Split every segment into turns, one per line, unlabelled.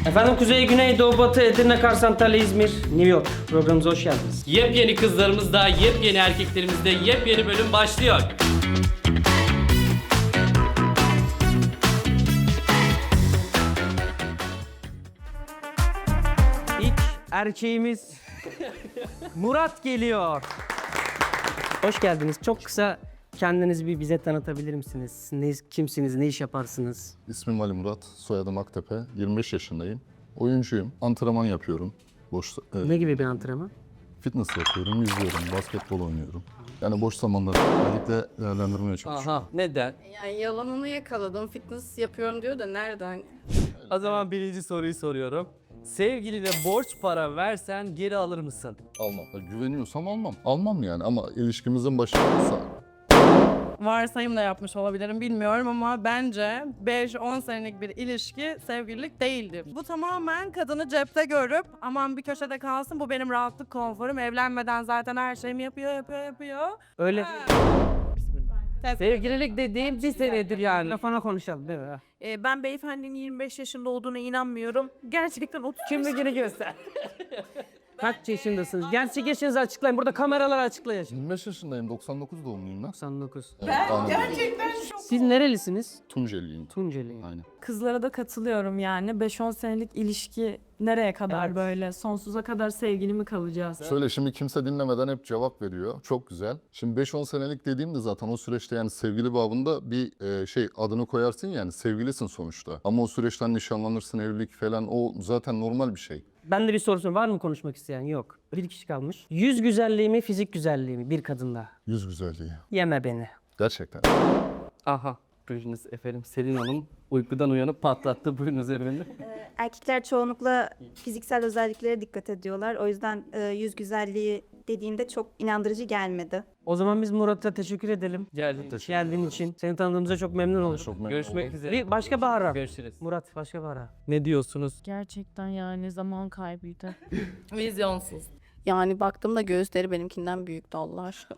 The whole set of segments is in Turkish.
Efendim Kuzey, Güney, Doğu, Batı, Edirne, Kars, Antalya, İzmir, New York. Programımıza hoş geldiniz.
Yepyeni kızlarımızda, yepyeni erkeklerimizde yepyeni bölüm başlıyor.
İlk erkeğimiz Murat geliyor. Hoş geldiniz. Çok kısa kendinizi bir bize tanıtabilir misiniz? Kimsiniz, ne iş yaparsınız?
İsmim Ali Murat, soyadım Aktepe. 25 yaşındayım. Oyuncuyum, antrenman yapıyorum.
Ne gibi bir antrenman?
Fitness yapıyorum, yüzüyorum, basketbol oynuyorum. Yani boş zamanları özellikle değerlendirmeye çalışıyorum.
Aha, neden?
Yani yalanını yakaladım. Fitness yapıyorum diyor da nereden?
O zaman birinci soruyu soruyorum. Sevgiline borç para versen geri alır mısın?
Almam. Güveniyorsam almam. Almam yani ama ilişkimizin başındaysa.
Varsayımla yapmış olabilirim bilmiyorum ama bence 5-10 senelik bir ilişki sevgililik değildir. Bu tamamen kadını cepte görüp aman bir köşede kalsın bu benim rahatlık konforum, evlenmeden zaten her şeyimi yapıyor.
Öyle
Sevgililik dediğim bir senedir yani.
telefona konuşalım değil mi?
Ben beyefendinin 25 yaşında olduğuna inanmıyorum. Gerçekten 30
Kimliğini göster. Kaç yaşındasınız? Gerçek yaşınızı açıklayın. Burada kameralar açıklayacak.
25 yaşındayım, 99 doğumluyum ben.
99.
Gerçekten.
Siz nerelisiniz?
Tunceliyim.
Tunceli.
Aynen.
Kızlara da katılıyorum yani. 5-10 senelik ilişki nereye kadar
Evet.
böyle? Sonsuza kadar sevgili mi kalacağız?
Söyle, şimdi kimse dinlemeden hep cevap veriyor. Çok güzel. Şimdi 5-10 senelik dediğimde zaten o süreçte yani sevgili babında bir adını koyarsın yani sevgilisin sonuçta. Ama o süreçten nişanlanırsın, evlilik falan o zaten normal bir şey.
Ben de bir soru sorayım. Var mı konuşmak isteyen? Yok. Bir kişi kalmış. Yüz güzelliği mi, fizik güzelliği mi bir kadında?
Yüz güzelliği.
Yeme beni.
Gerçekten.
Aha, buyurunuz efendim. Selin Hanım uykudan uyanıp patlattı. Buyurunuz efendim.
Erkekler çoğunlukla fiziksel özelliklere dikkat ediyorlar. O yüzden yüz güzelliği dediğinde çok inandırıcı gelmedi.
O zaman biz Murat'a teşekkür edelim. Geldiğin için. Seni tanıdığımıza çok memnun olduk.
Çok memnun
Görüşmek
oldum.
üzere.
Bir başka bir ara.
Görüşürüz.
Murat başka bir ara.
Ne diyorsunuz?
Gerçekten yani zaman kaybıydı.
Vizyonsuz. Yani baktığımda göğüsleri benimkinden büyüktü Allah aşkına.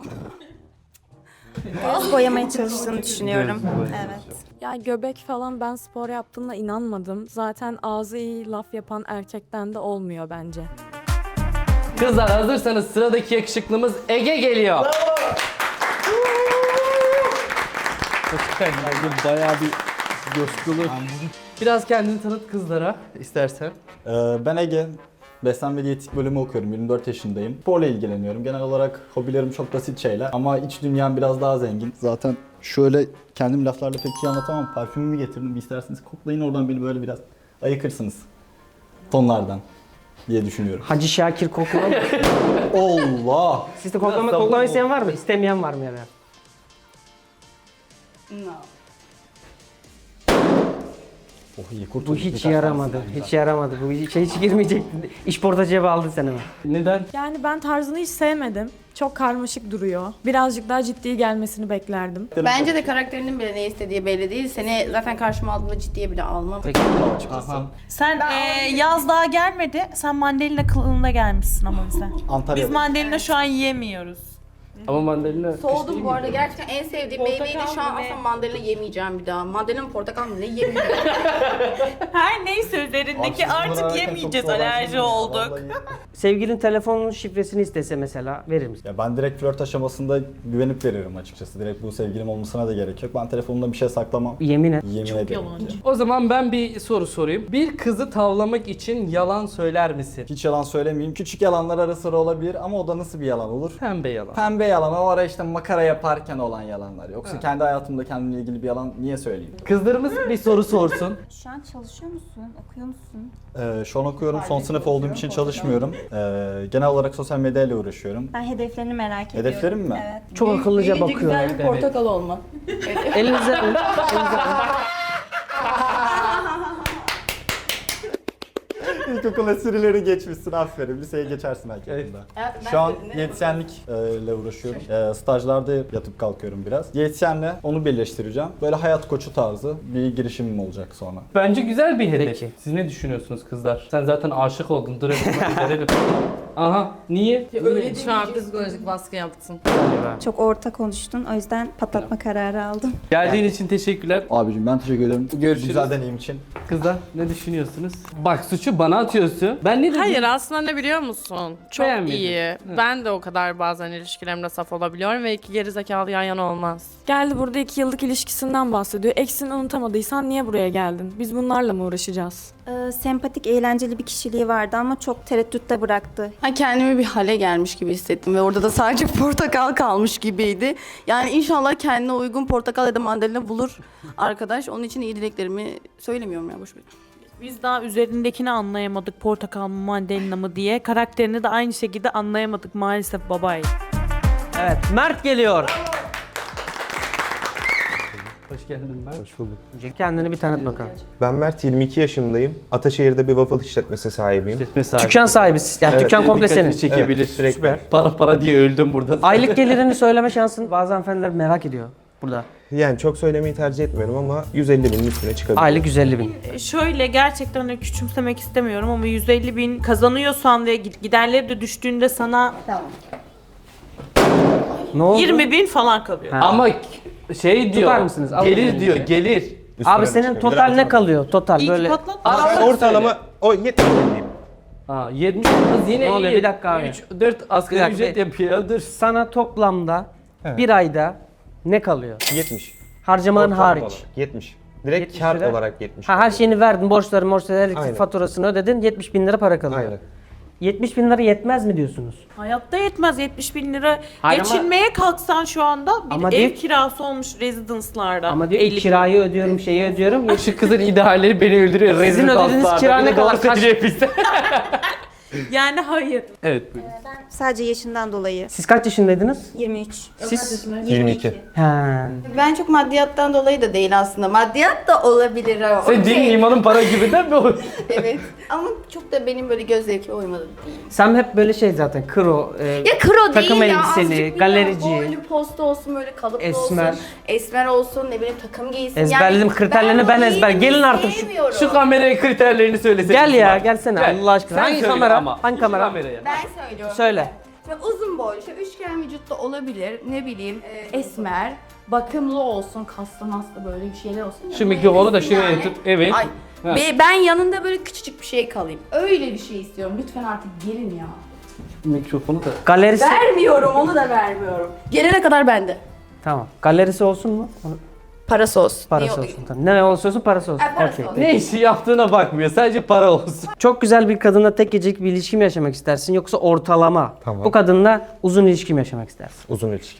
Göz boyamaya çalıştığını düşünüyorum. Evet.
Ya göbek falan ben spor yaptığımda inanmadım. Zaten ağzı iyi laf yapan erkekten de olmuyor bence.
Kızlar hazırsanız sıradaki yakışıklımız Ege geliyor. Bayağı bir coşkulu. Biraz kendini tanıt kızlara istersen.
Ben Ege. Beslenme diyetik bölümü okuyorum. 24 yaşındayım. Sporla ilgileniyorum. Genel olarak hobilerim çok basit şeyler. Ama iç dünyam biraz daha zengin. Zaten şöyle kendim laflarla pek iyi anlatamam. Parfümümü getirdim. Bir isterseniz koklayın oradan beni böyle biraz ayıkırsınız. Tonlardan diye düşünüyorum.
Hacı Şakir kokla.
Allah!
Siz de koklama isteyen var mı? İstemeyen var mı ya da?
Oh iyi kurtulduk.
Bu hiç yaramadı. Hiç yaramadı. Bu hiç girmeyecekti. İş cebe aldın sen hemen.
Neden?
Yani ben tarzını hiç sevmedim. Çok karmaşık duruyor. Birazcık daha ciddi gelmesini beklerdim.
Bence de karakterinin bile ne istediği belli değil. Seni zaten karşıma aldığımda ciddiye bile almam.
Sen yaz daha gelmedi. Sen mandalina kılığında gelmişsin ama bize.
Antalya.
Biz mandalina şu an yiyemiyoruz.
Ama mandalina
Soğudum bu arada. Gerçekten en sevdiğim meyveydi. Şu an aslında mandalina yemeyeceğim bir daha. Mandalina portakal mı ne yemeyeceğim.
Her neyse üzerindeki artık yemeyeceğiz, alerji olduk.
Sevgilin telefonun şifresini istese mesela verir misin?
Ya ben direkt flört aşamasında güvenip veririm açıkçası. Direkt bu sevgilim olmasına da gerek yok. Ben telefonumda bir şey saklamam.
Yemin et.
Yemin ederim. ki.
O zaman ben bir soru sorayım. Bir kızı tavlamak için yalan söyler misin?
Hiç yalan söylemeyeyim. Küçük yalanlar ara sıra olabilir ama o da nasıl bir yalan olur?
Pembe yalan.
Pembe yalan, o ara işte makara yaparken olan yalanlar. Yoksa kendi hayatımda kendimle ilgili bir yalan niye söyleyeyim?
Kızlarımız bir soru sorsun.
Şu an çalışıyor musun? Okuyor musun?
Şu an okuyorum. Son sınıf olduğum için çalışmıyorum. Genel olarak sosyal medyayla uğraşıyorum.
Ben hedeflerini merak ediyorum.
Hedeflerim mi?
Evet.
Çok akıllıca
Büyüyünce
bakıyor.
güzel bir portakal olma.
Elinize alın.
İlkokul esprileri geçmişsin, aferin. Liseye geçersin hak yakında. Şu an diyetisyenlikle uğraşıyorum. Stajlarda yatıp kalkıyorum biraz. Diyetisyenle onu birleştireceğim. Böyle hayat koçu tarzı bir girişimim olacak sonra.
Bence güzel bir hedef.
Peki.
Siz ne düşünüyorsunuz kızlar? Sen zaten aşık oldun. Dur verelim. Aha. Niye?
Şu an psikolojik baskı yaptın.
Çok orta konuştun. O yüzden patlatma kararı aldım.
Geldiğin için teşekkürler.
Abicim ben teşekkür ederim.
Görüşürüz.
Güzel deneyim için.
Kızlar ne düşünüyorsunuz? Bak suçu bana atıyorsun. Ben ne dedim?
Hayır aslında ne biliyor musun? Çok
Beğenmedin.
iyi. Ben de o kadar bazen ilişkilerimde saf olabiliyorum ve iki gerizekalı yan yana olmaz.
Geldi burada 2 yıllık ilişkisinden bahsediyor. Eksini unutamadıysan niye buraya geldin? Biz bunlarla mı uğraşacağız?
Sempatik, eğlenceli bir kişiliği vardı ama çok tereddütte bıraktı.
Kendimi bir hale gelmiş gibi hissettim ve orada da sadece portakal kalmış gibiydi. Yani inşallah kendine uygun portakal ya da mandalina bulur arkadaş. Onun için iyi dileklerimi söylemiyorum ya, boş ver.
Biz daha üzerindekini anlayamadık, portakal mı mandalina mı diye. Karakterini de aynı şekilde anlayamadık maalesef babay.
Evet, Mert geliyor.
Hoş geldin Mert.
Hoş bulduk.
Önce kendini bir tanıt bakalım.
Ben Mert, 22 yaşındayım. Ataşehir'de bir waffle işletmesi sahibiyim.
Dükkan sahibi. Yani
Evet,
dükkan komple senin.
Dikkatini çekebilir.
Evet, sürekli.
Süper. Para diye öldüm burada.
Aylık gelirini söyleme şansın bazı hanımefendiler merak ediyor burada.
Yani çok söylemeyi tercih etmiyorum ama 150 binin üstüne çıkabilir.
Aylık 150 bin.
Şöyle gerçekten hani küçümsemek istemiyorum ama 150 bin kazanıyorsan ve giderleri de düştüğünde sana
Ne oldu?
20 bin falan kalıyor.
Ha.
Ama şey diyor.
Tutar mısınız? Alın
Gelir
elinize.
diyor, gelir.
Üstüne
Abi senin
çıkabilir.
total ne kalıyor? Total
İyi ki
böyle.
patlat.
Ortalama o 70 diyeyim.
Ha 70 kız yine
Ne oluyor?
iyi.
Bir dakika abi.
4 asgari
Bir dakika,
ücret
bir-
yapıyor. Dur.
Sana toplamda bir ayda ne kalıyor?
70.
Harcamaların
Ortalama
hariç.
olarak 70. Direkt
70
kar
lira.
olarak 70.
Ha, her şeyini verdin, borçları, elektrik
Aynen.
faturasını ödedin, 70 bin lira para kalıyor.
Aynen.
70 bin lira yetmez mi diyorsunuz?
Hayatta yetmez 70 bin lira.
Hayır ama-
Geçinmeye kalksan şu anda bir
Ama
ev
diyor-
kirası olmuş residence'larda.
Ama diyor ki
50 bin.
kirayı ödüyorum, şeyi ödüyorum.
Şu kızın idealleri beni öldürüyor.
Sizin
Rezil
ödediğiniz
dostlar.
kira ne
Beni
kadar?
doğru
Kaç-
seçecek bizde.
Yani hayır.
Evet buyurun.
Sadece yaşından dolayı.
Siz kaç yaşındaydınız?
23.
Siz?
22.
Ha.
Ben çok maddiyattan dolayı da değil aslında. Maddiyat da olabilir ama.
Sen din imanın para gibinden mi olur?
Evet. Ama çok da benim böyle göz zevkime uymadı değil.
Sen hep böyle şey zaten kro,
Ya kro
takım
değil ya.
elbiseli,
azıcık
galerici,
Boylu posta olsun, böyle kalıplı
esmer.
olsun. Esmer olsun, ne bileyim takım giysin.
Ezberledim, kriterlerini ben
o
ezber.
giyimi
Gelin artık şu-
sevmiyorum.
Şu kameraya kriterlerini söylesene.
Gel ya, gelsene Allah aşkına.
Sen
Hangi
söyle
kamera?
ama.
Hangi
Şu
kamera?
kameraya.
Ben söylüyorum.
Söyle.
Ve uzun boylu, şöyle üçgen vücutta olabilir, ne bileyim, esmer, bakımlı olsun, kaslı maslı böyle bir şeyler olsun.
Şu mikrofonu da şuraya tut. Evet.
Ay,
Ha.
ben yanında böyle küçücük bir şey kalayım. Öyle bir şey istiyorum. Lütfen artık gelin ya.
Mikrofonu da.
Galerisi.
Vermiyorum, onu da vermiyorum. Gelene kadar bende.
Tamam. Galerisi olsun mu?
Parası olsun.
Parası
Niye-
olsun. Tamam. Ne olursa olsun parası olsun.
Parası
Okey.
olsun.
Ne işi yaptığına bakmıyor. Sadece para olsun.
Çok güzel bir kadınla tek gecelik bir ilişki mi yaşamak istersin yoksa ortalama
Tamam.
bu kadınla uzun ilişki mi yaşamak istersin?
Uzun ilişki.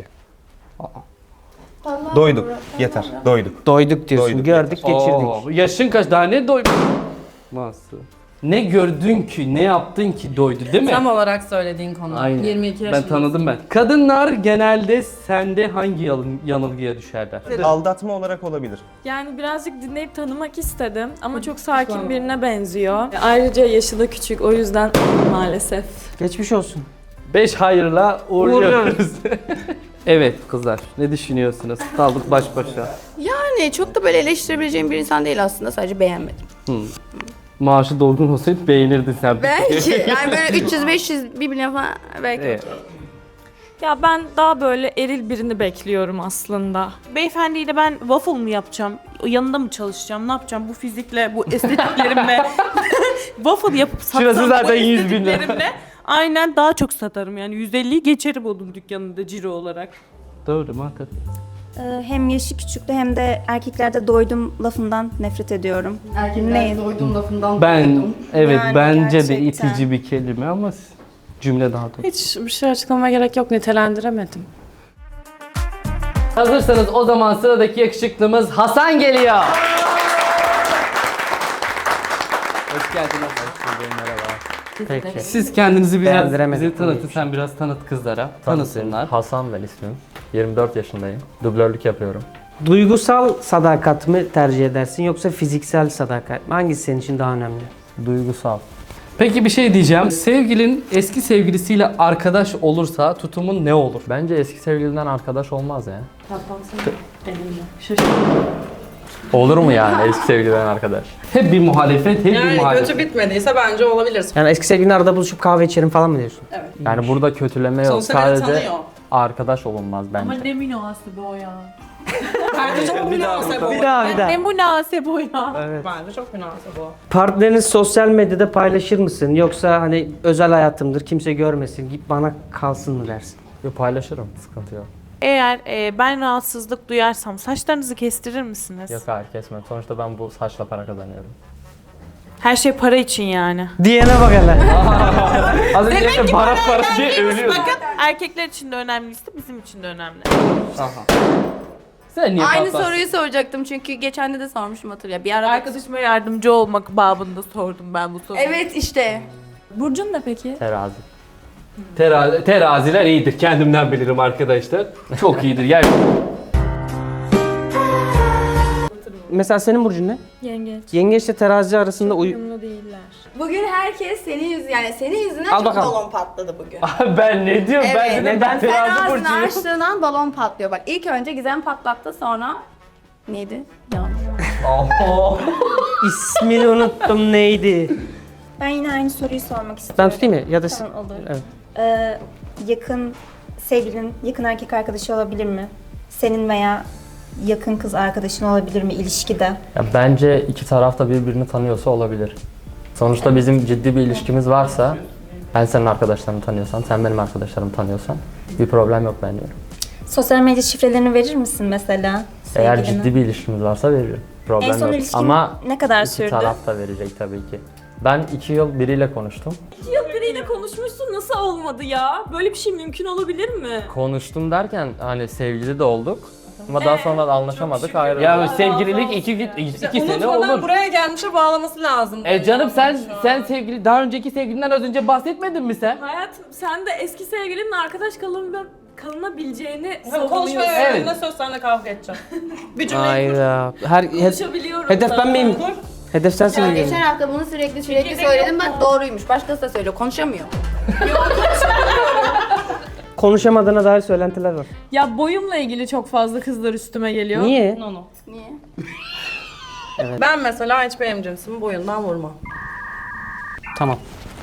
Doyduk. Yeter. Doyduk.
Doyduk diyorsun.
Doyduk,
Gördük, geçirdik.
Oo, yaşın kaç? Daha ne doydu? Nasıl? Ne gördün ki, ne yaptın ki doydu değil mi?
Tam olarak söylediğin konu.
Aynen.
22
Ben
yaşındasın.
tanıdım ben. Kadınlar genelde sende hangi yanılgıya düşerler?
Aldatma olarak olabilir.
Yani birazcık dinleyip tanımak istedim ama çok sakin birine benziyor. Ayrıca yaşı da küçük, o yüzden maalesef.
Geçmiş olsun.
5 hayırla uğurluyoruz. Evet kızlar, ne düşünüyorsunuz? Kaldık baş başa.
Yani çok da böyle eleştirebileceğim bir insan değil aslında. Sadece beğenmedim.
Maaşı dolgun olsaydı beğenirdin sen.
Belki. Yani böyle 300-500 birbirine falan belki.
Evet.
Ya ben daha böyle eril birini bekliyorum aslında.
Beyefendiyle ben waffle mı yapacağım? Yanında mı çalışacağım? Ne yapacağım? Bu fizikle, bu estetiklerimle waffle yapıp satsam
Şurası zaten
bu
100 bin lira.
estetiklerimle aynen daha çok satarım. Yani 150'yi geçerim onun dükkanında ciro olarak.
Doğru muhakkak.
Hem yaşı küçüktü hem de erkeklerde doydum lafından nefret ediyorum.
Erkekler doydum lafından
Ben,
doydum.
evet
Yani
bence de
gerçekten.
itici bir kelime ama cümle daha doğru.
Hiç bir şey açıklamaya gerek yok. Nitelendiremedim.
Hazırsanız o zaman sıradaki yakışıklımız Hasan geliyor. Hoş geldiniz.
Peki.
Siz kendinizi biraz
Beğendiremedim.
bize tanıtın. Sen biraz tanıt kızlara. Tanısınlar.
Hasan ben ismim. 24 yaşındayım. Dublörlük yapıyorum.
Duygusal sadakat mı tercih edersin yoksa fiziksel sadakat mi? Hangisi senin için daha önemli?
Duygusal.
Peki bir şey diyeceğim. Sevgilin eski sevgilisiyle arkadaş olursa tutumun ne olur?
Bence eski sevgilinden arkadaş olmaz ya. Olur mu yani eski sevgiliden arkadaş?
Hep bir muhalefet, hep bir
Yani
muhalefet.
kötü bitmediyse bence olabilir.
Yani eski sevgilinle arada buluşup kahve içerim falan mı diyorsun?
Yani burada kötüleme yok.
Sonuçta beni
Sadece
tanıyor.
arkadaş olunmaz bence.
Ama ne münasebe o ya.
Bence çok münasebe o.
Bir daha.
Ne münasebe o ya.
Bence çok münasebe o.
Partnerini sosyal medyada paylaşır mısın? Yoksa hani özel hayatımdır kimse görmesin git bana kalsın mı dersin?
Yo, paylaşırım, sıkıntı yok.
Eğer ben rahatsızlık duyarsam saçlarınızı kestirir misiniz?
Yok hayır kesmem. Sonuçta ben bu saçla para kazanıyorum.
Her şey para için yani.
Diyene bak hele.
Az önce de para diye övülüyor.
Bakın erkekler için de önemliyse bizim için de önemli.
Sen niye
Aynı
patlarsın?
soruyu soracaktım çünkü geçen de sormuşum hatırla. Bir ara
Arkadaşıma yardımcı olmak babında sordum ben bu soruyu.
Evet işte.
Burcun ne peki?
Terazi.
Teraziler iyidir. Kendimden bilirim arkadaşlar. Çok iyidir. Yani
Mesela senin burcun ne?
Yengeç.
Yengeçle terazi arasında
Uyumlu değiller.
Bugün herkes senin yüzünden
Al
çok
bakalım.
balon patladı bugün.
ben ne diyorum? Ben
Evet.
dedim ben
Sen
terazi
ağzını
burcuyum.
açtığından balon patlıyor. Bak ilk önce Gizem patlattı sonra neydi? Yanlış.
ismini unuttum neydi?
Ben yine aynı soruyu sormak istiyorum.
Ben tutayım mı? Ya da
Tamam, olur.
Evet.
Yakın sevgilin, yakın erkek arkadaşı olabilir mi? Senin veya yakın kız arkadaşın olabilir mi ilişkide?
Ya bence iki taraf da birbirini tanıyorsa olabilir. Sonuçta bizim ciddi bir ilişkimiz varsa, ben senin arkadaşlarını tanıyorsam, sen benim arkadaşlarımı tanıyorsan bir problem yok bence.
Sosyal medya şifrelerini verir misin mesela
Eğer
sevgiline?
ciddi bir ilişkimiz varsa veririm.
En
Problem
son
yok.
ilişkin
Ama
ne kadar
iki
sürdü?
taraf da verecek tabii ki. Ben 2 yıl biriyle konuştum.
Biriyle konuşmuşsun nasıl olmadı ya? Böyle bir şey mümkün olabilir mi?
Konuştum derken hani sevgili de olduk. Ama daha sonra da anlaşamadık ayrıldık.
Ya sevgililik 2 sene
Unutmadan
olur.
buraya gelmişe bağlaması lazım.
Canım sen sevgili daha önceki sevgilinden az önce bahsetmedin mi sen?
Hayatım sen de eski sevgilinin arkadaş kalınabileceğini
Konuşmaya
savunuyorsun.
öğrendiğinde söz seninle kavga edeceğim. Bir cümleyi
Hayda.
Konuşabiliyorum.
Hedef ben miyim? Hedef sensin
Ya
mi?
geçen hafta bunu sürekli söyledim bak doğruymuş. Başkası da söylüyor. Konuşamıyor.
Konuşamadığına dair söylentiler var.
Ya boyumla ilgili çok fazla kızlar üstüme geliyor.
Niye?
Niye?
Ben mesela hiç benim cinsimi boyundan vurmam.
Tamam.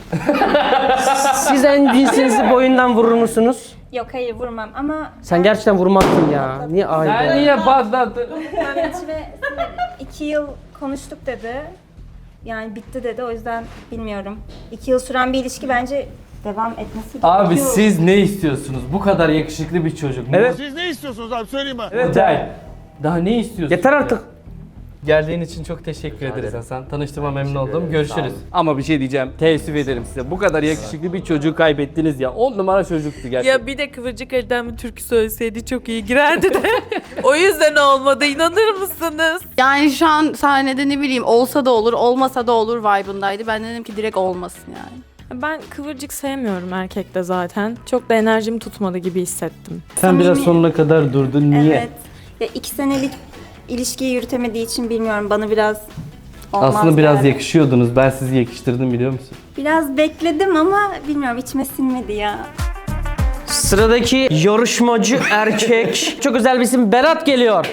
Siz en cinsinizi boyundan vurur musunuz?
Yok hayır vurmam ama
Sen gerçekten vurmazsın ya. Niye
Sen
ayda?
niye patlattın?
Mehmet ve 2 yıl konuştuk dedi. Yani bitti dedi o yüzden bilmiyorum. 2 yıl süren bir ilişki bence devam etmesi
Abi
gerekiyor.
siz ne istiyorsunuz? Bu kadar yakışıklı bir çocuk.
Evet.
Siz ne istiyorsunuz abi söyleyin bana.
Evet. Daha ne istiyorsun?
Yeter artık.
Geldiğin için çok teşekkür ederiz
ederim.
Hasan. Tanıştığıma memnun
Teşekkür
oldum.
ederim.
Görüşürüz.
Sağ olun.
Ama bir şey diyeceğim. Teessüf ederim size. Bu kadar yakışıklı bir çocuğu kaybettiniz ya. 10 numara çocuktu gerçekten.
Ya bir de Kıvırcık Ali'den bir türkü söyleseydi çok iyi girerdi de. O yüzden olmadı, inanır mısınız?
Yani şu an sahnede ne bileyim olsa da olur olmasa da olur vibe'ındaydı. Ben dedim ki direkt olmasın yani.
Ben kıvırcık sevmiyorum erkekte zaten. Çok da enerjim tutmadı gibi hissettim.
Sen biraz
Samimi-
sonuna kadar durdun. Niye?
Evet. Ya 2 senelik ilişkiyi yürütemediği için bilmiyorum bana biraz olmaz
Aslında biraz
geldi.
yakışıyordunuz. Ben sizi yakıştırdım biliyor musun?
Biraz bekledim ama bilmiyorum içime sinmedi ya.
Sıradaki yarışmacı erkek. Çok özel bir isim Berat geliyor.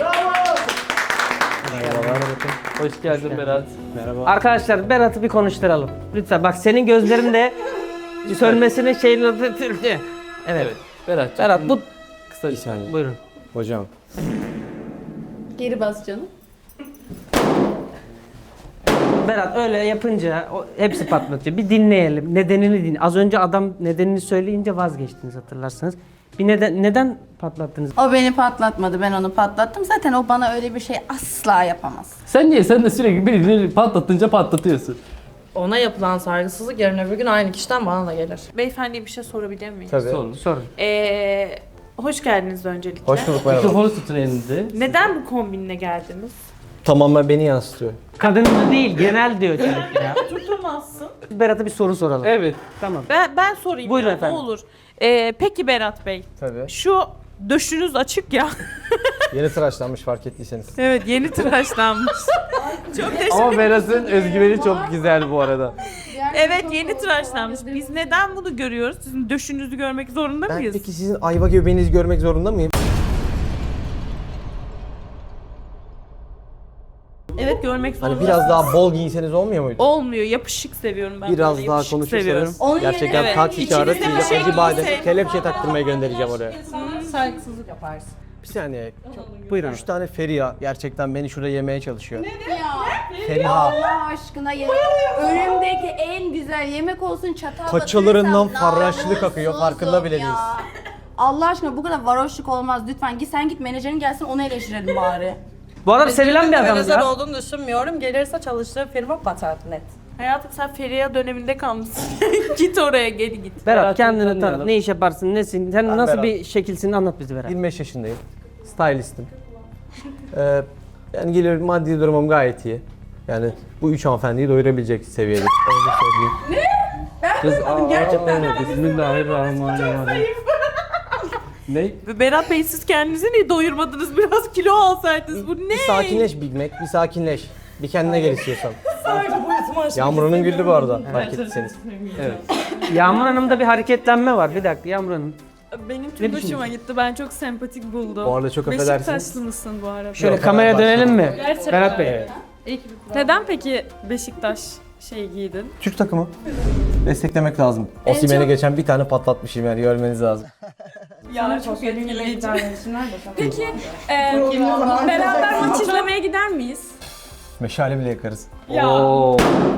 Hoş geldin Berat.
Arkadaşlar Berat'ı bir konuşturalım. Lütfen bak senin gözlerinde sönmesinin şeyini... Evet.
Evet. Berat.
Berat bu...
Kısa bir saniye.
Buyurun.
Hocam.
Geri bas canım.
Berat öyle yapınca hepsi patlatıyor. Bir dinleyelim. Nedenini dinle. Az önce adam nedenini söyleyince vazgeçtiniz hatırlarsanız. Bir neden patlattınız?
O beni patlatmadı ben onu patlattım. Zaten o bana öyle bir şey asla yapamaz.
Sen niye? Sen de sürekli birini patlatınca patlatıyorsun.
Ona yapılan saygısızlık yarın öbür gün aynı kişiden bana da gelir.
Beyefendiye bir şey sorabilir miyim?
Tabii.
Sorun.
Sorun.
Hoş geldiniz öncelikle.
Hoş bulduk merhaba.
Mikrofonu tutun elinde.
Neden bu kombinle geldiniz?
Tamamen beni yansıtıyor.
Kadın değil genel diyor çocuk ya.
Tutamazsın.
Berat'a bir soru soralım.
Evet.
Tamam.
Ben sorayım.
Buyurun
ya,
efendim.
Ne olur. Peki Berat Bey,
Tabii.
şu döşünüz açık ya.
Yeni tıraşlanmış fark ettiyseniz.
Evet, yeni tıraşlanmış. Çok teşekkür
Ama Berat'ın özgüveni çok güzel bu arada.
Evet, yeni tıraşlanmış. Biz neden bunu görüyoruz? Sizin döşünüzü görmek zorunda
Ben
mıyız?
peki sizin ayva göbeğinizi görmek zorunda mıyım?
Evet görmek zorunda.
Hani biraz daha bol giyseniz olmuyor muydu?
Olmuyor. Yapışık seviyorum ben.
Biraz
böyle,
daha
yapışık
konuşursanız
seviyorum.
gerçekten
Evet.
taksi
İçinizde
çağırır,
bir şey
acı badem,
giyse-
kelepçe taktırmaya göndereceğim oraya.
Saygısızlık yaparsın.
Bir saniye.
Buyurun.
3 tane Feriha gerçekten beni şurada yemeye çalışıyor.
Ya.
Feriha.
Allah aşkına ya. Önümdeki en güzel yemek olsun çatal
Paçalarından
batırırsam
farraşlık akıyor, farkında bile
namussuzum ya.
değilsin.
Allah aşkına bu kadar varoşluk olmaz lütfen. Sen git menajerin gelsin onu eleştirelim bari.
Bu adam sevilen bir adam
Menajer
ya.
olduğunu düşünmüyorum. Gelirse çalıştığı firma batar net.
Hayatım sen Feriha döneminde kalmışsın. Git oraya geri git.
Berat kendini
tanıyalım.
tanıt. Ne iş yaparsın? Nesin? Sen
Ben
nasıl
Berat.
bir şekilsin anlat bize Berat.
25 yaşındayım. Stylistim. Yani geliyorum, maddi durumum gayet iyi. Yani bu 3 hanımefendiyi doyurabilecek seviyede. Öyle söyleyeyim.
Kız gerçekten. Bismillahirrahmanirrahim. Ne?
Berat Bey siz kendinizi niye doyurmadınız? Biraz kilo alsaydınız. Bu ne?
Bir sakinleş Big Mac, bir sakinleş. Bir kendine gel istiyorsan. Yağmur Hanım güldü bu arada, fark ettiyseniz.
Evet.
Yağmur Hanım'da bir hareketlenme var. Bir dakika Yağmur Hanım.
Benim çok
Ne
hoşuma
düşünüyorsun?
gitti. Ben çok sempatik buldum.
Bu arada çok affedersiniz.
Beşiktaşlı mısın bu arada?
Şöyle
Yok,
kameraya
Fenerbahçe.
dönelim mi?
Gerçekten.
Berat Bey.
Neden peki Beşiktaş giydin?
Türk takımı. Desteklemek lazım. Osimhen'e geçen bir tane patlatmışım yani, görmeniz lazım.
Ya çok etkileyici. Peki beraber maç izlemeye gider miyiz?
Meşale bile yakarız.
Oo.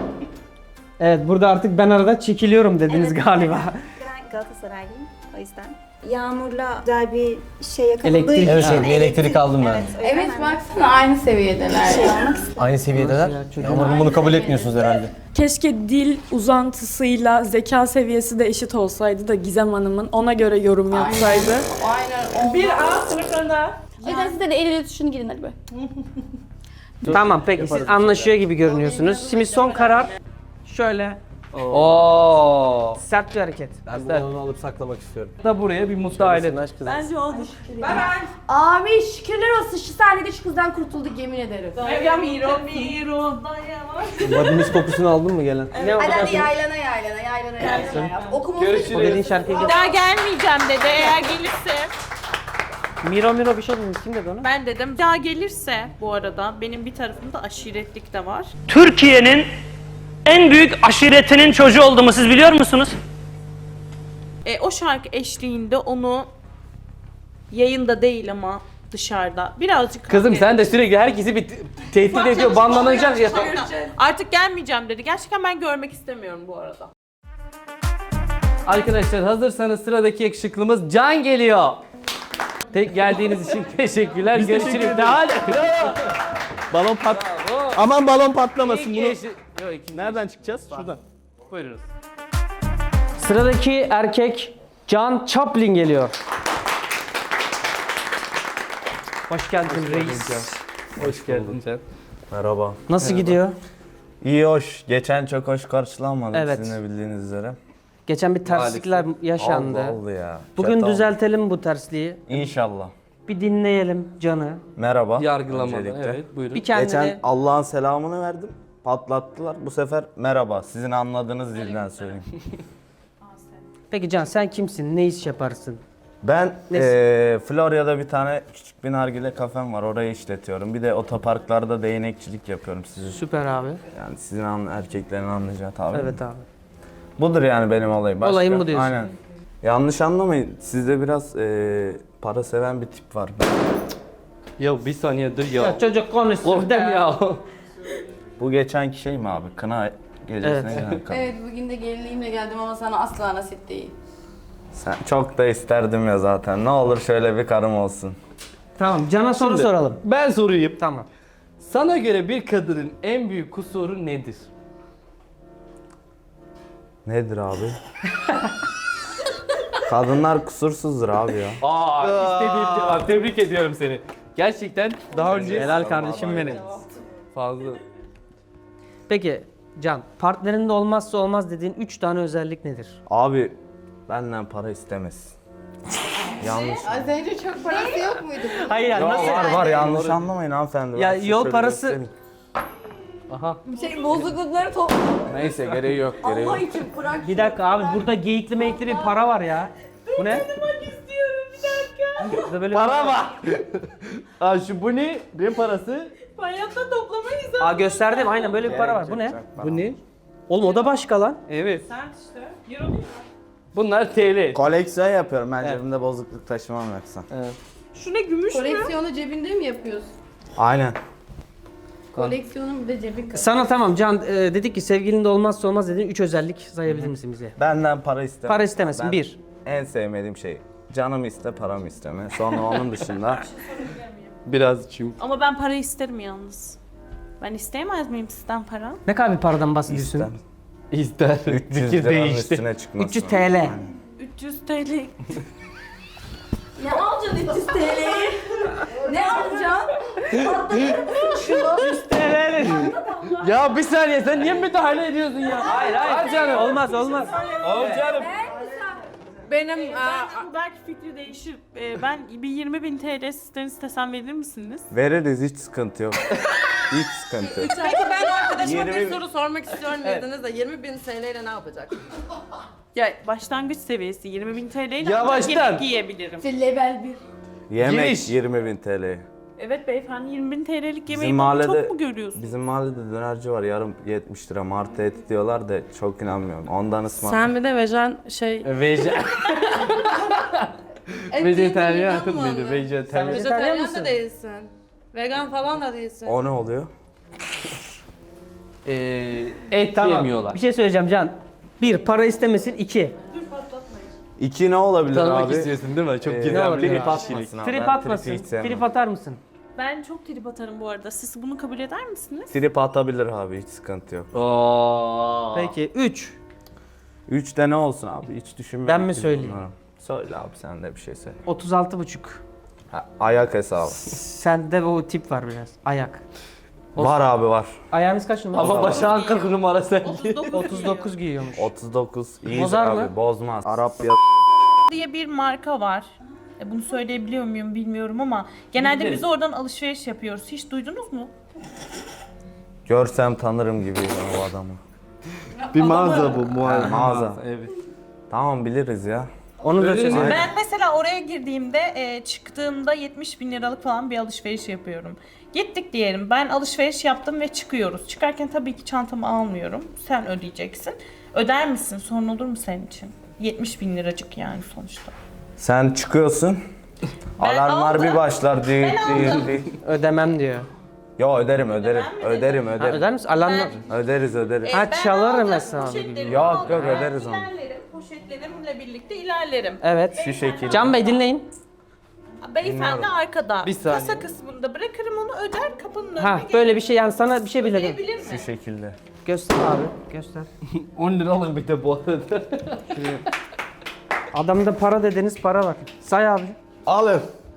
Evet burada artık ben arada çekiliyorum dediniz galiba.
Ben Galatasaraylıyım o yüzden. Yağmur'la güzel bir şey yakaladığı
Elektrik.
Evet, bir elektrik aldım ben.
Evet, o yüzden
Evet
ben
baksana aynı seviyedeler.
şey olmak istedim.
Aynı seviyedeler. Yağmur Hanım bunu kabul etmiyorsunuz herhalde.
Keşke dil uzantısıyla zeka seviyesi de eşit olsaydı da Gizem Hanım'ın ona göre yorum yapsaydı.
Aynen.
Bir A sınıfında.
O yüzden siz de el ele tutuşun gidin hadi be.
Tamam peki siz anlaşıyor gibi görünüyorsunuz. Şimdi son karar şöyle
Oo.
sert bir hareket.
Ben bunu alıp saklamak istiyorum.
Da buraya bir mutlu aile.
Bence odur.
Abi şükürler olsun şu sahnede şu kızdan kurtulduk yemin ederim.
Ya Miro.
Vadimiz kokusunu aldın mı gelen?
Ne oldu?
Hadi yaylana yap. Okuma
O dediğin şarkıyı
Bir daha gelmeyeceğim dedi eğer gelirse.
Miro bir şey dediniz. Kim dedi onu?
Ben dedim daha gelirse bu arada benim bir tarafımda aşiretlik de var.
Türkiye'nin en büyük aşiretinin çocuğu olduğumu siz biliyor musunuz?
O şarkı eşliğinde onu yayında değil ama dışarıda birazcık
Kızım sen de sürekli herkesi bir tehdit ediyor, banlanacak ya.
Artık gelmeyeceğim dedi. Gerçekten ben görmek istemiyorum bu arada.
Arkadaşlar hazırsanız sıradaki yakışıklımız Can geliyor. Tek geldiğiniz için teşekkürler. Görüşürüz. Hadi.
Balon pat. Aman balon patlamasın bunu.
Yok,
Nereden çıkacağız? Şuradan.
Buyurunuz.
Sıradaki erkek Can Chaplin geliyor. Hoş geldin reis.
Hoş geldin Can.
Merhaba.
Nasıl gidiyor?
İyi hoş. Geçen çok hoş karşılanmadık
Evet.
sizin de bildiğiniz üzere.
Geçen bir terslikler yaşandı.
Oldu ya.
Bugün
Kötü oldu.
düzeltelim bu tersliği.
İnşallah.
Bir dinleyelim Can'ı.
Merhaba.
Yargılamadan.
öncelikle.
Evet buyurun.
Bir kendini...
Geçen Allah'ın selamını verdim. Patlattılar. Bu sefer merhaba. Sizin anladığınız dilden söyleyeyim.
Peki Can sen kimsin? Ne iş yaparsın?
Ben
Neyse.
Florya'da bir tane küçük bir nargile kafem var. Orayı işletiyorum. Bir de otoparklarda değnekçilik yapıyorum sizin.
Süper abi.
Yani sizin erkeklerin anlayacağı tabii.
Evet abi.
Budur yani benim olayım. Başka?
Olayım bu diyorsun.
Aynen. Yanlış anlamayın. Sizde biraz para seven bir tip var.
Ya bir saniye dur ya.
Ya çocuk konuşsun.
Korktum ya.
Bu geçenki şey mi abi? Kına gecesine
Evet.
gelen kadın.
Evet bugün de gelinliğimle geldim ama sana asla nasip değil.
Sen çok da isterdim ya zaten. Ne olur şöyle bir karım olsun.
Tamam Can'a soru
Şimdi,
soralım.
Ben sorayım.
Tamam.
Sana göre bir kadının en büyük kusuru nedir?
Nedir abi? Kadınlar kusursuzdur abi ya.
İstediğim cevap. Tebrik ediyorum seni. Gerçekten daha önce...
Helal kardeşim benim.
Fazla.
Peki Can, partnerinde olmazsa olmaz dediğin 3 tane özellik nedir?
Abi benden para istemez. Yanlış.
Az önce çok parası yok muydu?
Hayır yani nasıl?
Var yanlış anlamayın hanımefendi.
Ya
Ben size
yol
şöyle
parası-
göstereyim.
Aha.
Bozuklukları topla.
Neyse gereği yok gereği
Allah
yok.
için bırak.
Bir dakika abi burada geyikli meyikli bir para var ya. Bu ne? Burada böyle
Para var. Aa şu bu ne? Ne parası?
Hayatta toplamayız abi.
Aa gösterdim aynen böyle bir para var. Bu ne? Bu ne? Oğlum o da başka lan.
Evet.
Sen işte. Euro değil mi?
Bunlar TL.
Koleksiyon yapıyorum ben
Evet.
cebimde bozukluk taşımam yoksa.
Evet.
Şu ne gümüş mü?
Koleksiyonu cebinde mi yapıyorsun?
Aynen.
Koleksiyonun bir de cebin kadar.
Sana tamam Can dedik ki sevgilinde olmazsa olmaz dedin. 3 özellik sayabilir misin bize?
Benden para istemem.
Para istemesin.
Ben
1.
En sevmediğim şey. Canımı iste, paramı isteme. Sonra onun dışında
Biraz çünkü.
Ama ben para isterim yalnız. Ben isteyemez miyim sizden para?
Ne kadar bir paradan bahsediyorsun?
ister.
İster.
300
Fikir
liranın
değişti.
üstüne çıkmasın.
300 TL.
300 TL.
Ne alacaksın 300 TL'yi? Ne alacaksın?
Ya bir saniye sen niye müdahale ediyorsun ya?
Hayır hayır.
Canım.
Olmaz olmaz.
Canım.
Benim belki fikri değişir. Ben bir 20.000 TL sizden istesem verir misiniz?
Veririz, hiç sıkıntı yok. Hiç sıkıntı yok.
Peki ben arkadaşıma
20
bir soru sormak istiyorum dediniz de 20.000 TL ile ne yapacak?
Ya başlangıç seviyesi 20.000 TL ile
Yavaştan.
yemek yiyebilirim.
Level 1.
Yemek
Giriş.
20.000 TL.
Evet beyefendi 20.000 TL'lik yemeği
Bizim mahallede,
çok mu görüyorsun?
bizim mahallede dönerci var, yarım 70 lira martı eti diyorlar da çok inanmıyorum. Ondan
Sen bir de vejen şey...
Vejetaryen mıydı? Vejetaryen.
Vejetaryen de değilsin. Vegan falan da değilsin.
O ne oluyor?
Et
Tamam.
yemiyorlar.
Bir şey söyleyeceğim Can. 1. Para istemesin. 2.
2 ne olabilir
Tanımak
abi?
istiyorsun değil mi? Çok
Ne
gizemli
olabilir?
bir
Trip
kişilik.
atmasın abi.
Trip
Ben
atmasın.
tripi hiç sevmem.
Trip atar mısın?
Ben çok trip atarım bu arada. Siz bunu kabul eder misiniz?
Trip atabilir abi, hiç sıkıntı yok.
Oo.
Peki 3.
3'te ne olsun abi, hiç düşünmedim.
Ben mi
ki
söyleyeyim?
bunları. Söyle abi, sen de bir şey söyle.
36,5.
Ha, ayak hesabı.
Sende o tip var biraz. Ayak.
Var abi var.
Ayağınız kaç numara?
Ama başağın 40 numara sen.
39 giyiyormuş.
39. İyidir
Bozar
abi,
mı?
bozmaz. Arap ya
diye bir marka var. Bunu söyleyebiliyor muyum bilmiyorum ama genelde biz oradan alışveriş yapıyoruz. Hiç duydunuz mu?
görsem tanırım gibi o adamı.
Bir mağaza bu
Mağaza.
Evet.
Tamam, biliriz ya.
Onu da
Öyle mi?
söyleyeyim.
Ben mesela oraya girdiğimde çıktığımda 70.000 liralık falan bir alışveriş yapıyorum. Gittik diyelim, ben alışveriş yaptım ve çıkıyoruz. Çıkarken tabii ki çantamı almıyorum. Sen ödeyeceksin. Öder misin? Sorun olur mu senin için? 70.000 liracık yani sonuçta.
Sen çıkıyorsun. Alarmlar
aldım.
bir başlar.
Ödemem diyor.
Yo, öderim. Öderim.
Ha, öder misin? Alarmla...
Öderiz.
Ha, çalarım
aldım,
hesabı
poşetlerimi
gibi.
Yok,
aldım,
yok, öderiz onu.
İlerlerim, poşetlerimle birlikte ilerlerim.
Evet.
Şu şekilde.
Can Bey dinleyin.
Beyefendi arkada.
Bir saniye.
Kasa kısmında bırakırım onu, öder, kapının önüne
Ha böyle bir şey yani sana bir şey bile
gelebilir mi?
Şu şekilde.
göster abi. Göster.
10 lira alın bir de bu arada.
Adamda para dediniz para var. Say abi.
Alın.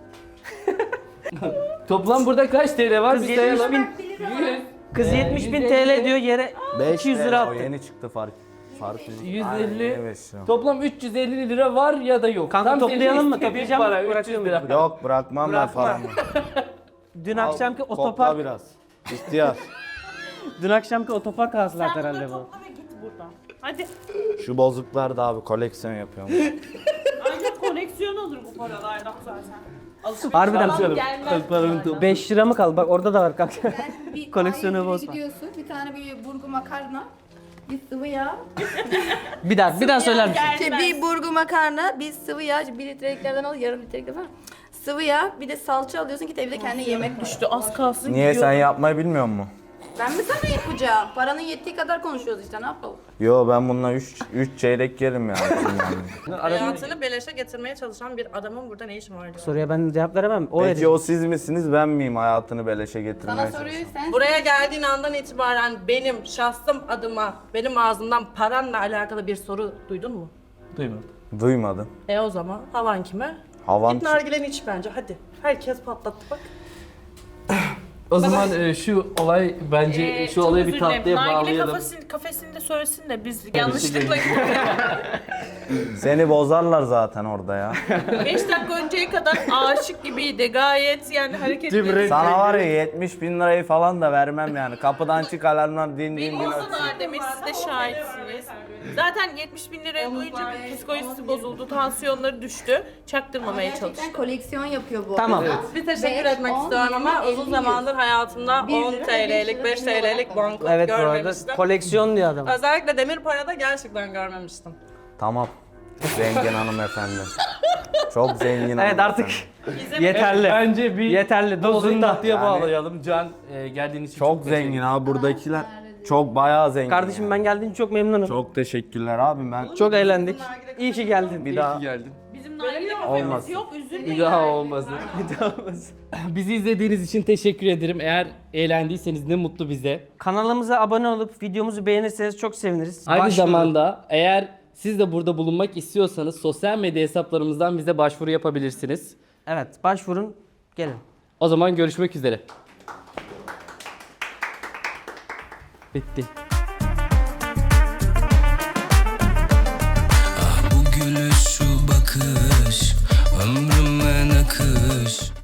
Toplam burada kaç TL var?
Kız
Bir sayalım.
70.000 Kız 70.000 TL diyor yere 200 lira
O
attı.
yeni çıktı fark.
150.
Evet şu.
Toplam 350 lira var ya da yok.
Kanka
Tam
toplayalım
senin
mı?
istediğin
Toplayacağım mı?
para, 300
Bırakıyorum.
lira.
Yok, bırakmam ben paramı.
Dün akşamki
Topla
otopark
biraz. İhtiyar.
dün akşamki otopark hasılat
Sen
herhalde
bunu
bu.
topla ve git buradan. Hadi.
Şu bozuklar da abi koleksiyon yapıyorum.
Ancak koleksiyon olur bu paralardan zaten. Alışveriş
Harbiden
falan gelmez bunlardan.
5 lira mı kaldı? Bak orada da var kanka.
Bir
Koleksiyonu
A101'e
bozma.
gidiyorsun. Bir tane bir burgu makarna. Bir sıvı yağ.
Bir daha söyler misin?
Gelmez.
Bir burgu makarna, bir sıvı yağ, 1 litreliklerden al, yarım litrelikler falan. Sıvı yağ, bir de salça alıyorsun, git evde kendine yemek düşün.
Düştü az kalsın
Niye,
gidiyor.
sen yapmayı bilmiyor musun?
Ben mi sana yapacağım? Paranın yettiği kadar konuşuyoruz işte, ne yapalım?
Yo, ben bununla 3 çeyrek yerim yani.
Hayatını beleşe getirmeye çalışan bir adamın burada ne işi var diyor.
Soruya ben cevap veremem. O
Peki
edecek.
o siz misiniz, ben miyim hayatını beleşe getirmeye
Sana
çalışan?
soruyu sen
Buraya geldiğin andan itibaren benim şahsım adıma, benim ağzımdan paranla alakalı bir soru duydun mu?
Duymadım.
Duymadım.
O zaman havan kime?
Havan
Git nargileni iç bence hadi. Herkes patlattı bak.
O zaman şu olay bence şu
çok
olayı bir
özür dilerim.
tatlıya
Nargile
bağlayalım.
kafesinde söylesin de biz yanlışlıkla
Seni bozarlar zaten orada ya.
5 dakika önceye kadar aşık gibiydi. Gayet yani hareketleri.
Sana var ya 70.000 lirayı falan da vermem yani. Kapıdan çık, alarmlar din din din
Biliyorsun
ötsün.
Adem'e, siz de şahitsiniz. Zaten 70.000 liraya duyunca psikolojisi bozuldu, tansiyonları düştü. Çaktırmamaya çalıştı.
koleksiyon yapıyor bu.
Tamam.
arada.
Bir teşekkür
5,
etmek
10,
istiyorum ama
20,
uzun
50,
zamandır hayatımda 10 TL'lik, 5 TL'lik banknot
Evet bu arada
görmemiştim.
koleksiyon diyor adam.
Özellikle demir parada gerçekten görmemiştim.
Tamam. Zengin hanımefendi. Çok zengin
Evet artık yeterli.
Bence bir
Yeterli. Dozunda.
tatlıya bağlayalım. Can geldiğiniz için
çok zengin abi buradakiler. Çok bayağı zengin.
Kardeşim ben geldiğin için çok memnunum.
Çok teşekkürler abi ben.
Çok eğlendik. İyi ki geldin.
Bir daha
geldin.
Bizim nargile
Olmaz.
kafemiz yok, üzülmeyin.
Bir daha olmaz. Bizi izlediğiniz için teşekkür ederim. Eğer eğlendiyseniz ne mutlu bize.
Kanalımıza abone olup videomuzu beğenirseniz çok seviniriz.
Aynı
Başvuru.
zamanda eğer siz de burada bulunmak istiyorsanız sosyal medya hesaplarımızdan bize başvuru yapabilirsiniz.
Evet başvurun. Gelin.
O zaman görüşmek üzere. Bitti.
Bu gülüş, şu bakış, ömrüme nakış.